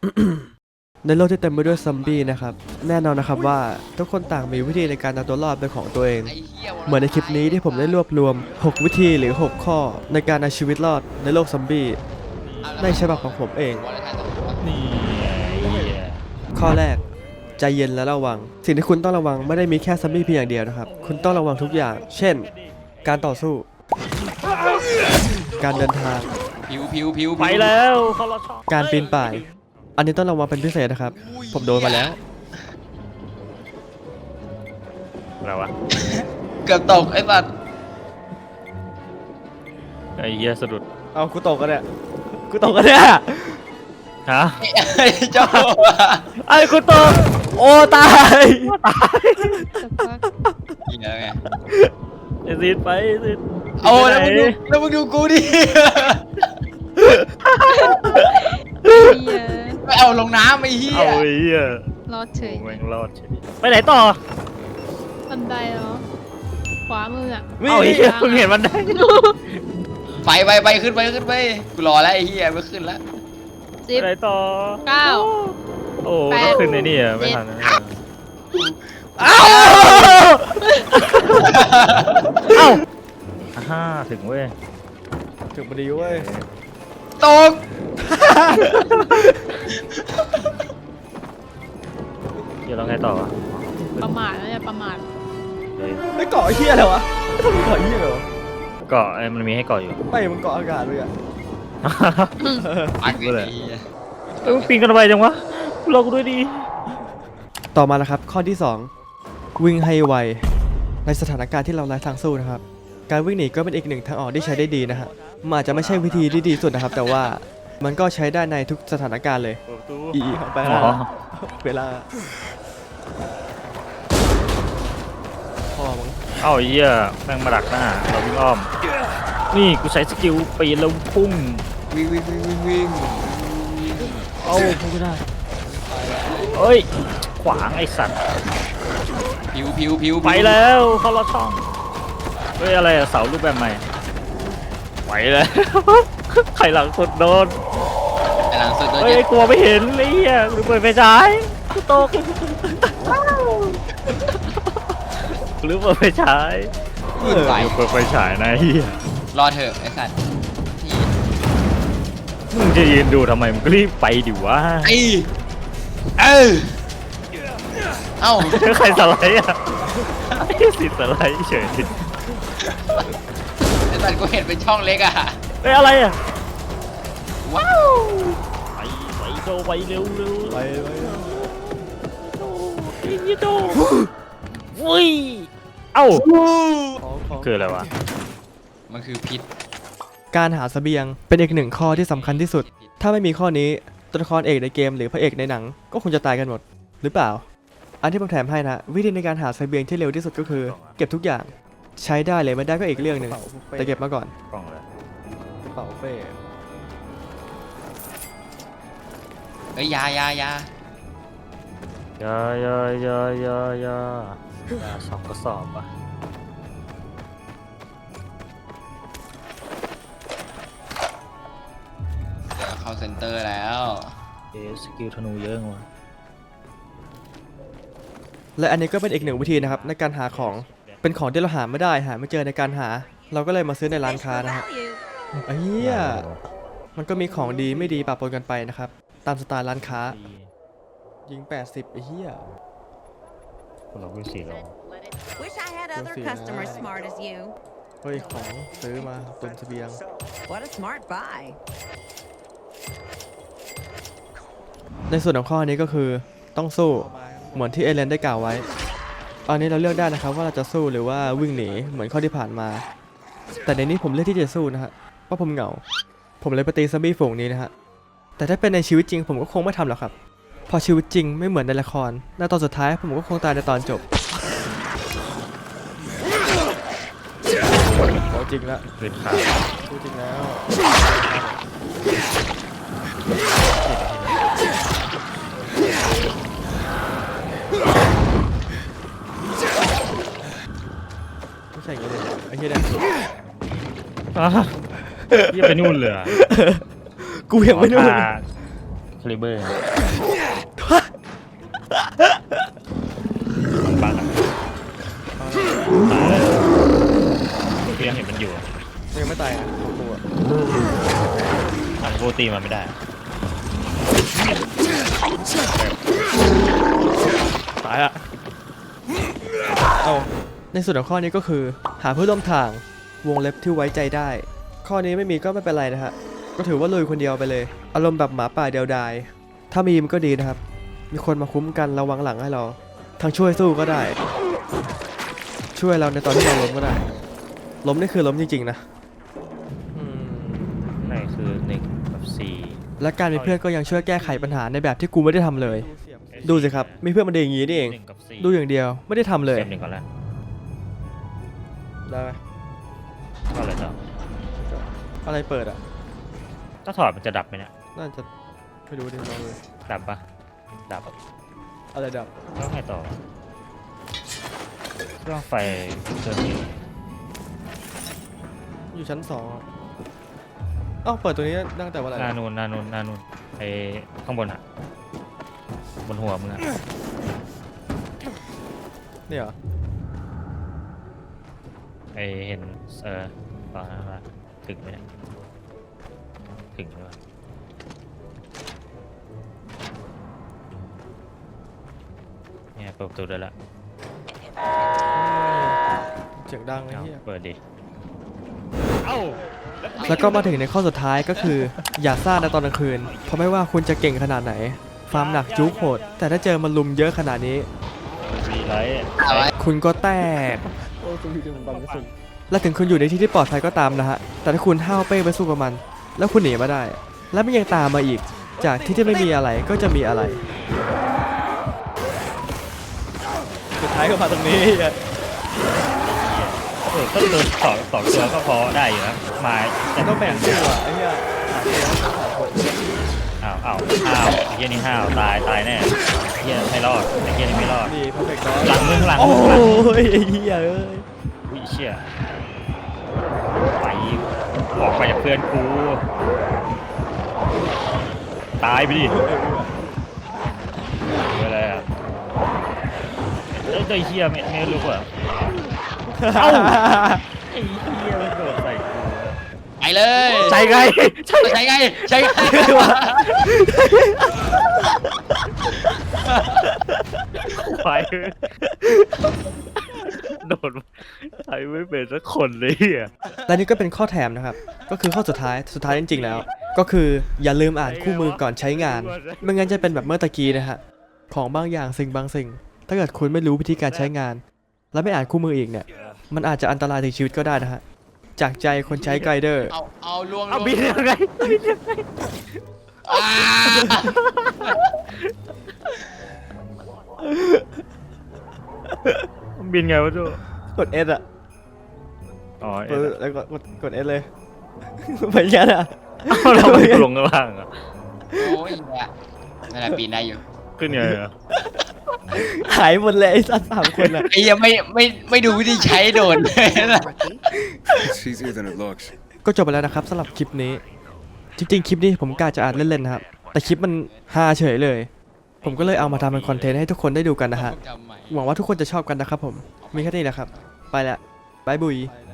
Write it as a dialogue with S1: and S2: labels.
S1: ในโลกที่เต็มไปด้วยซอมบี้นะครับแน่นอนนะครับว่าทุกคนต่างมีวิธีในการเอาตัวรอดเป็นของตัวเองเหมือนในคลิปนี้ที่ผมได้รวบรวม6วิธีหรือ6ข้อในการเอาชีวิตรอดในโลกซอมบี้ในฉบับของผมเอง
S2: นี่
S1: ข้อแรกใจเย็นและระวังสิ่งที่คุณต้องระวังไม่ได้มีแค่ซอมบี้เพียงอย่างเดียวนะครับคุณต้องระวังทุกอย่าง เช่น การต่อสู้ การเดินทาง
S3: ผิว
S2: ไปแล้วเขาล็อตช่อง
S1: การปีนป่าย อันนี้ต้องระวังเป็นพิเศษนะครับ ผมโดนมาแล้ว
S2: อะไรวะ
S3: เกือบตกไอ้สัตว์
S2: ไอ้เหี้ยสะดุด
S1: เอากูตกกันเนี่ยกูตกกันเนี่ย
S2: ฮะ
S3: ไอ้เจ้า
S2: ไอ้กูตก
S1: โอ้ตาย
S3: เหี้ยไง
S2: ไอ้ซีดไปไอ้ซีด
S3: โอ้แล้วมึงดูกูดิไม่เอาลงน้ำไอ้เหี้ย
S2: เอาไอ้เหี้ย
S4: รอดเฉย
S2: แม่งรอดเฉยไปไหนต่อ
S4: บันไดเหรอขวามืออ่ะ
S2: เอาไอ้เหี้ยเพิ่งเห็นมันได้
S3: ไปขึ้นไปกูรอแล้วไอ้เหี้ยไม่ขึ้นแล้ว
S4: สิ
S2: ไป
S4: บ
S2: ไหนต่อ
S4: 9
S2: โอ้
S4: แปด
S2: ต้องขึ้นในนี่อะไม่ทันนะเอ้าฮ่าถึงเว้ย
S1: ถึงพอดีเว้ย
S3: ตก
S2: เดี๋ยวเราไงต่อวะ
S4: ประมาทแล้วเนี่ยประมาท
S2: เฮ้ย
S1: ไอ้เกาะเฮียอะไรวะเกาะเฮียเหรอ
S2: เกาะไอ้มันมีให้เกาะอยู่
S1: ไม่มันเกาะอากาศเลยอะ
S3: อักเลยไอ้เหี้ย
S2: เอ้ยปีนกันไปจังวะเรากูด้วยดี
S1: ต่อมาแล้วครับข้อที่ 2 วิ่งให้ไวในสถานการณ์ที่เราไร้ทางสู้นะครับการวิ่งหนีก็เป็นอีกหนึ่งทางออกที่ใช้ได้ดีนะฮะมันอาจจะไม่ใช่วิธีที่ดีสุดนะครับ แต่ว่ามันก็ใช้ได้ในทุกสถานการณ์เลยอีไป
S2: อ๋
S1: แล้ว
S2: อ
S1: เวลาพ่อมึง
S2: เอ้าไอ้เหี้ยแม่งมาดักหน้าเราวิ่งอ้อม นี่กูใช้สกิลปีนแล้วพุ่ง
S3: วิ่ง
S2: เอ้าพุ่งไม่ได้เอ้ยขวางไอ้สัตว์
S3: ผิว
S2: ไปแล้วเขาล็อตช่องเฮ้ยอะไรอะเสารูปแบบใหม่ไปแล้ว ใครหลังสุดโดน
S3: ไอ้หลังสุดโดน
S2: เฮ้ย
S3: เจ็บ
S2: กลัวไม่เห็นไอ้เหี้ยกูเปิดไฟฉายกูตกหรือเปิดไฟฉาย
S3: ไป
S2: เปิดไฟฉายนะเหี้ย
S3: รอเถอะไอ้สัตว์
S2: มึงจะยืนดูทำไมมึงก็รีบไปดิวะ
S3: ไอ้เอ้า
S2: ใครสไลด์อ่ะไอ้สิสไลด์เฉย
S3: ไอ้สัตว์กูเห็นเป็นช่องเล็กอะ
S2: เฮ้ยอะไรอ่ะ
S3: ว้าว
S2: ไปโจไปเร็วเร็ว
S1: ไป
S2: ไอ้โจวุ้ยเอ้า
S1: ของ
S2: คืออะไรวะ
S3: มันคือพิษ
S1: การหาเสบียงเป็นอีกหนึ่งข้อที่สำคัญที่สุด ถ้าไม่มีข้อนี้ตัวละครเอกในเกมหรือพระเอกในหนังก็คงจะตายกันหมดหรือเปล่า อันที่ผมแถมให้นะวิธีในการหาเสบียงที่เร็วที่สุดก็คือ เก็บทุกอย่างใช้ได้เลยไม่ได้ก็อีกเรื่องหนึ่งแต่เก็บมาก่อน
S2: กล่องเลย
S1: กระเป๋าเป้
S3: เอ้ยยา
S2: ยายาสองกระสอบอ่ะ
S3: เดี๋ยวเข้าเซ็นเตอร์แล้ว
S2: สกิลธนูเยอะว่ะ
S1: และอันนี้ก็เป็นอีกหนึ่งวิธีนะครับในการหาของเป็นของที่เราหาไม่ได้หาไม่เจอในการหา เราก็เลยมาซื้อในร้านค้านะฮะไอ้เหี้ยมันก็มีของดีไม่ดีปะปนกันไปนะครับตามสไตล์ร้านค้ายิง80ไอ้เหี้ย
S2: เราวิ่งสี่ลง
S5: Wish I had other
S1: Lucy,
S5: customers
S1: nice.
S5: smart as you.
S1: เฮ้ยของซื้อมาตุนเสบียง
S5: What a smart buy.
S1: ในส่วนของข้อนี้ก็คือต้องสู้เหมือนที่เอเลนได้กล่าวไว้ตอนนี้เราเลือกได้นะครับว่าเราจะสู้หรือว่าวิ่งหนีเหมือนข้อที่ผ่านมา แต่ในนี้ผมเลือกที่จะสู้นะฮะเพราะผมเหงาผมเลยไปตีซอมบี้ฝูงนี้นะฮะแต่ถ้าเป็นในชีวิตจริงผมก็คงไม่ทำหรอกครับเพอชีวิตจริงไม่เหมือนในละครในตอนสุดท้ายผมก็คงตายในตอนจบเอาจริงละ
S2: เด็ดขาด
S1: พูดจริงแล้วไม่ใช่อย่างนี้เลยไอ้เหี้ยเนี่ย
S2: ยี่ไปนู่นเลยอะ
S1: กูยังไม่รู้
S2: อ๋อคลิเบอร์บังอะตายเลยพี่ยังเห็นมันอยู่อะ
S1: ยังไม่ตายนะของกูอะ
S2: อันกูตีมันไม่ได้ตายอะ
S1: เอาในส่วนของข้อนี้ก็คือหาเพื่อนร่วมทางวงเล็บที่ไว้ใจได้ ข้อนี้ไม่มีก็ไม่เป็นไรนะฮะก็ถือว่าลุยคนเดียวไปเลย อารมณ์แบบหมาป่าเดียวดายถ้ามีมันก็ดีนะครับ มีคนมาคุ้มกันระวังหลังให้เราทั้งช่วยสู้ก็ได้ ช่วยเราในตอนที่เราล้มก็ได้ ล้มนี่คือล้มจริงๆนะอืม
S2: ไหนคือ1 กับ 4
S1: และการมีเพื่อนก็ยังช่วยแก้ไขปัญหาในแบบที่กูไม่ได้ทำเลย ดูสิครับมีเพื่อนมันดีอย่างนี้นี่เอง
S2: 1 กับ 4
S1: ดูอย่างเดียวไม่ได้ทำเลย
S2: เสียบ1ก่อนแล้ว
S1: ได้ไหม
S2: ก็เลยต่อ
S1: อะไรเปิดอ่ะ
S2: ถ้าถอดมันจะดับไหมเนี่ย
S1: น่าจะไม่รู้ดิลองเลย
S2: ดับปะดับ
S1: อะไรดับ
S2: แล้วไงต่อเครื่องไฟเครื่องนี้
S1: อยู่ชั้น2อะเอ้าเปิดตัวนี้ตั้งแต่เมื่อไหร่
S2: หน้านูนไอข้างบนอะบนหัวมึงอะ
S1: นี่เหรอ
S2: ไอเห็นตอนนั้นว่าถึงไหมเนี่ยถึงหรือเปล่าเนี่ยเปิดประตูได้ละ
S1: เสียงดังไอ้
S2: เอา
S1: เหี้ย
S2: เปิดดิเอ้า
S1: แล้วก็มาถึงในข้อสุดท้ายก็คือ อย่าซ่าในตอนกลางคืน เพราะไม่ว่าคุณจะเก่งขนาดไหน ฟาร์มหนักจุกโหด แต่ถ้าเจอมันลุมเยอะขนาดนี้
S2: มีไร
S3: เอาไว้
S1: คุณก็แตก และถึงคุณอยู่ในที่ที่ปลอดภัยก็ตามนะฮะ แต่ถ้าคุณห้าวเป้ไปสู้กับมัน แล้วคุณหนีมาได้ แล้วมันยังตามมาอีก จากที่ไม่มีอะไรก็จะมีอะไร สุดท้ายก็มาตรงนี้
S2: ก็โดนสองตัวก็พอได้อยู่นะมาแต่
S1: ต้องแบ่งสู้อ่ะไอ้เหี้ย
S2: อ้าวไอ้เหี้ยนี่ห้าวตายแน่ไอ้เหี้ยไม่รอดไอ้เหี้ยนี่ไม่รอด
S1: นี่เพอร์เฟกต์
S2: หลังมึง
S1: โอ้ยไอ้เหี้ยเอ้ย
S2: วิเชี่ยไปออกไปจากเพื่อนกูตายไปดิอะไรอ่ะไอ้เหี้ยไม่รู้อ่ะเอ้าไอ้เหี้ยมันโดดใส่กู
S3: ไปเลย
S2: ใช่ไง
S3: ใช่ไงใช่ไง
S2: ควายโดดใช้ไม่เป็นสักคนเลยอ่ะ
S1: และนี่ก็เป็นข้อแถมนะครับ ก็คือข้อสุดท้ายจริงๆแล้ว ก็คืออย่าลืมอ่านคู่มือก่อนใช้งาน ไม่งั้นจะเป็นแบบเมื่อตะกี้นะฮะ ของบางอย่างสิ่งบางสิ่ง ถ้าเกิดคุณไม่รู้วิธีการใช้งาน และไม่อ่านคู่มืออีกเนี่ย มันอาจจะอันตรายถึงชีวิตก็ได้นะฮะ จากใจคนใช้ไกด์เดอร์
S3: เอาลวง
S2: เอาบินยังไง
S3: อ่า
S2: บินไงวะจู
S1: กด S อ่ะ
S2: อ๋อ
S1: แล้วก็กด S เลย ไปยันอ่ะ
S2: เราไปลงข้างล่างอ่ะ
S3: โอ้ยเนี่ยนั่นแหละปีนได้อยู่
S2: ขึ้นไงอ่ะ
S1: หายหมดเลยไอ้สัตว์3 คนอ่ะ
S3: ไอ้ยังไม่ดูวิธีใช้โดนเลยนะ
S6: It's easier than it looks.
S1: ก็จบไปแล้วนะครับสำหรับคลิปนี้ จริงๆ คลิปนี้ผมกะจะอ่านเล่นๆนะครับ แต่คลิปมันฮาเฉยเลย ผมก็เลยเอามาทำเป็นคอนเทนต์ให้ทุกคนได้ดูกันนะฮะ
S3: จำใหม่
S1: หวังว่าทุกคนจะชอบกันนะครับผม มีแค่นี้นะครับ ไปละบายบุย